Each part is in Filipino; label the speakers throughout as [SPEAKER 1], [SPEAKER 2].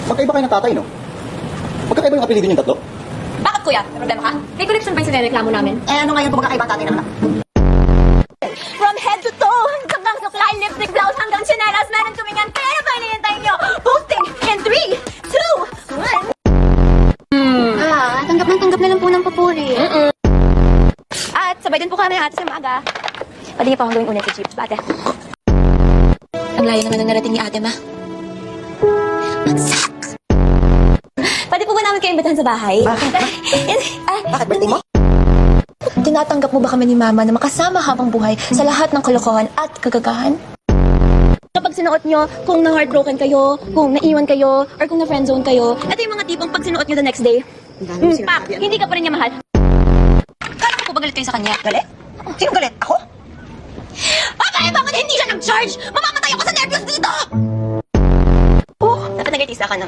[SPEAKER 1] Magkaiba kayo ng tatay, no? Magkakaiba yung apelido niyong tatlo?
[SPEAKER 2] Bakit kuya? May problema ka? May connection ba yung sinereklamo namin?
[SPEAKER 3] Eh, ano ngayon kung magkakaiba tatay ng anak?
[SPEAKER 2] From head to toe, hanggang supply, lipstick, blouse, hanggang chinelas, meron kaming yan. Kaya na ba hinihintay nyo? Posting in 3, 2, 1.
[SPEAKER 3] Tanggap na lang po ng papuri.
[SPEAKER 2] At sabay din po kami ng ate sa maga. Pwede niyo pa akong gawing unay sa jeep, ate. Ang layo naman ang narating ni ate, ma. Bagsak! Pwede po ba namin kayo imbitahan sa bahay?
[SPEAKER 3] Bakit? Bakit birthday mo?
[SPEAKER 2] Tinatanggap mo ba kami ni Mama na makasama habang buhay sa lahat ng kalokohan at kagagahan? Kapag sinuot nyo, kung na-heartbroken kayo, kung naiwan kayo, or kung na-friendzone kayo, ito yung mga tipong pag sinuot nyo the next day, pak, hindi ka pa rin niya mahal. Kala ko po ba galit kayo sa kanya?
[SPEAKER 3] Galit? Sino galit? Ako?
[SPEAKER 2] Bakit bakit hindi siya nag-charge? Mamamatay ako sa nervyos dito! Oh, dapat nag-artista ka na.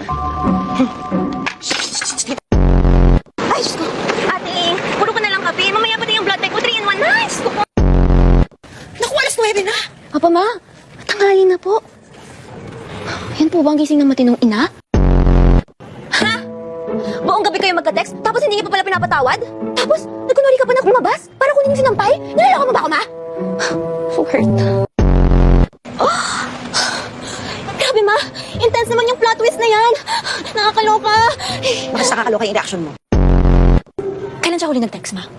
[SPEAKER 2] Ay, Diyos ko. Ate, puro ko na lang kape. Mamaya pa yung blood type ko. 3 in 1. Nice!
[SPEAKER 3] Naku, alas 9 na.
[SPEAKER 2] Papa, ma, tanghali na po. Yan po ba ang gising ng matinong ina? Ha? Buong gabi kayo magka-text, tapos hindi niyo pa pala pinapatawad? Tapos, nagkunwari ka pa na lumabas para kunin yung sinampay? Nilalako mo ba ako, ma? So hurt. Oh! Grabe, ma. Intense naman yung plot twist na yan. Nakakaloka.
[SPEAKER 3] Mas nakakaloka yung reaction mo.
[SPEAKER 2] Kailan siya huli nag-text, ma?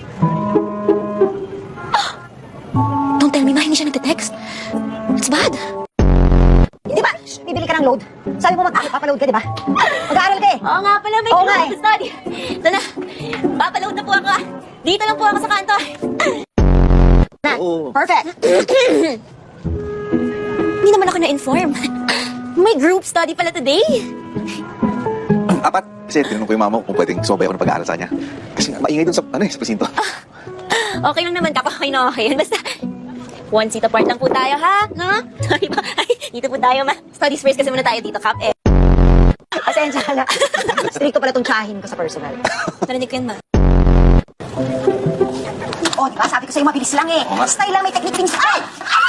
[SPEAKER 2] Don't tell me, ma, hindi siya nag-text. It's bad.
[SPEAKER 3] Di ba? Bibili ka ng load. Sabi mo papaload ka, di ba? Mag-aaral ka eh.
[SPEAKER 2] Oo nga pala, may
[SPEAKER 3] Oo nga eh.
[SPEAKER 2] study. Ito na, papaload na po ako. Dito lang po ako sa kanto.
[SPEAKER 3] Na.
[SPEAKER 1] Oo.
[SPEAKER 3] Perfect.
[SPEAKER 2] Hindi naman ako na-inform. May group study pala today.
[SPEAKER 1] Apat. Kasi tinanong ko yung mama ko kung pwedeng sumabay ako ng pag-aaral sa kanya. Kasi nga, maingay dun sa, sa presinto.
[SPEAKER 2] Okay lang naman, kapag okay na okay yan. Basta, one seat apart lang po tayo, ha? No? Sorry ba? Ay, dito po tayo, ma. Studies first kasi muna tayo dito, Kap.
[SPEAKER 3] Pasensya ka na. Stricto pala itong tsahin ko sa personal.
[SPEAKER 2] Narinig ko yun, ma.
[SPEAKER 3] Oh, di ba? Sabi ko sa'yo, mabilis lang eh.
[SPEAKER 1] Oo nga.
[SPEAKER 3] Style lang, may technique things. Ay!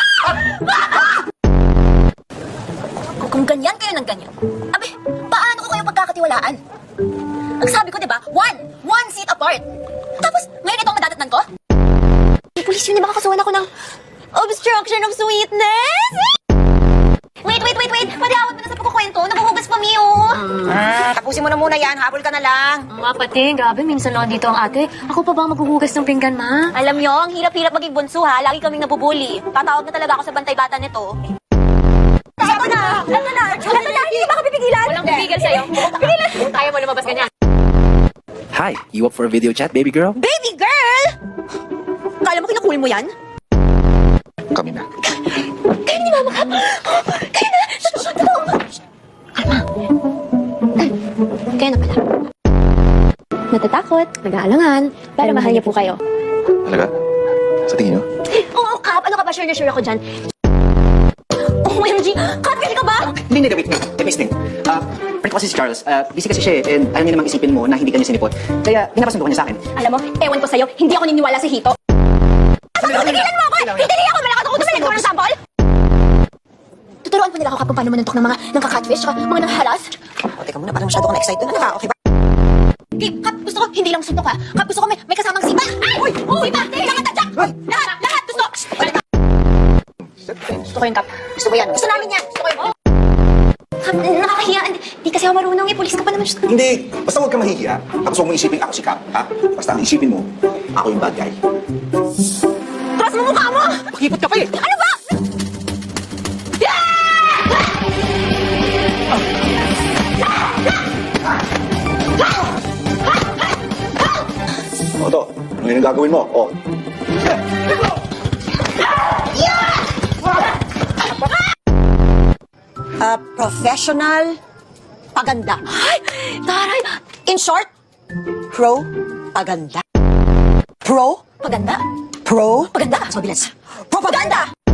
[SPEAKER 2] Kung ganyan kayo ng ganyan, abe, paano ko kayo pagkakatiwalaan? Ang sabi ko, di ba? One seat apart. Tapos, ngayon ito ang madadatnan ko? May pulis yun, di ba kakasuhan ako ng obstruction of sweetness? Wait! Padawat mo na sa pagkukwento. Naguhugas pa, Mio.
[SPEAKER 3] Tapusin mo na muna yan. Habol ka na lang.
[SPEAKER 2] Ma, pati, grabe, minsan lang dito ang ate. Ako pa ba maghuhugas ng pinggan, ma? Alam nyo, ang hirap-hirap maging bunso, ha? Lagi kaming nabubuli. Tatawag na talaga ako sa bantay bata nito. Ito na! Hindi ba ka pipigilan? Walang pipigil sa'yo. Pigilan! Kaya mo lumabas ganyan.
[SPEAKER 4] Hi, you up for a video chat, baby girl?
[SPEAKER 2] Baby girl! Kala mo kinakul mo yan?
[SPEAKER 1] Kami na.
[SPEAKER 2] Kayo ni Mama Kap! Kayo na! Totoo! Kalma. Kayo na pala. Natatakot, nag-aalangan, pero mahal niya po kayo.
[SPEAKER 1] Talaga? Sa tingin nyo?
[SPEAKER 2] Oo, Kap! Ano ka ba? Sure na sure ako dyan. OMG! Kap, kasi ka ba?
[SPEAKER 4] Hindi, wait. Miss Ting. Friend ko kasi si Charles. Busy kasi siya eh, and ayaw niya namang isipin mo na hindi ka niya sinipot. Kaya, pinapasundo ko niya sa akin.
[SPEAKER 2] Alam mo, ewan ko sa'yo, hindi ako niniwala sa Hito. Tigilan mo ako! Hindi ako malakas ako! Tumalig ko ng sample! Tuturuan po nila ako kung paano manuntok ng mga nangka-catfish at mga nanghahalas.
[SPEAKER 3] O, teka muna. Parang masyado ka na-excited. Ano ka? Okay ba?
[SPEAKER 2] Okay, Kap, gusto ko, hindi lang suntok ha. Kap, gusto ko may kasamang sipa. Ay! Uy! Lahat tadyak! Lahat! Gusto! Gusto ko yun, Kap.
[SPEAKER 3] Gusto mo yan?
[SPEAKER 2] Gusto namin yan! Gusto ko yun! Kap, nakakahiya. Di kasi ako marunong eh. Pulis ka pa naman. Diyos ko.
[SPEAKER 1] Hindi. Basta huwag ka mahihiya. Tapos huwag mo isipin ako si Cap, ha? Basta ang isipin mo, ako yung bad guy.
[SPEAKER 2] Cross mo mukha mo!
[SPEAKER 4] Pakipot ka pa eh!
[SPEAKER 2] Ano ba?
[SPEAKER 1] O, to. Ano yung gagawin mo? O.
[SPEAKER 3] Professional paganda.
[SPEAKER 2] Ay! Taray!
[SPEAKER 3] In short, pro-paganda. Pro?
[SPEAKER 2] Paganda?
[SPEAKER 3] Pro?
[SPEAKER 2] Paganda?
[SPEAKER 3] Mas mabilis. Propaganda!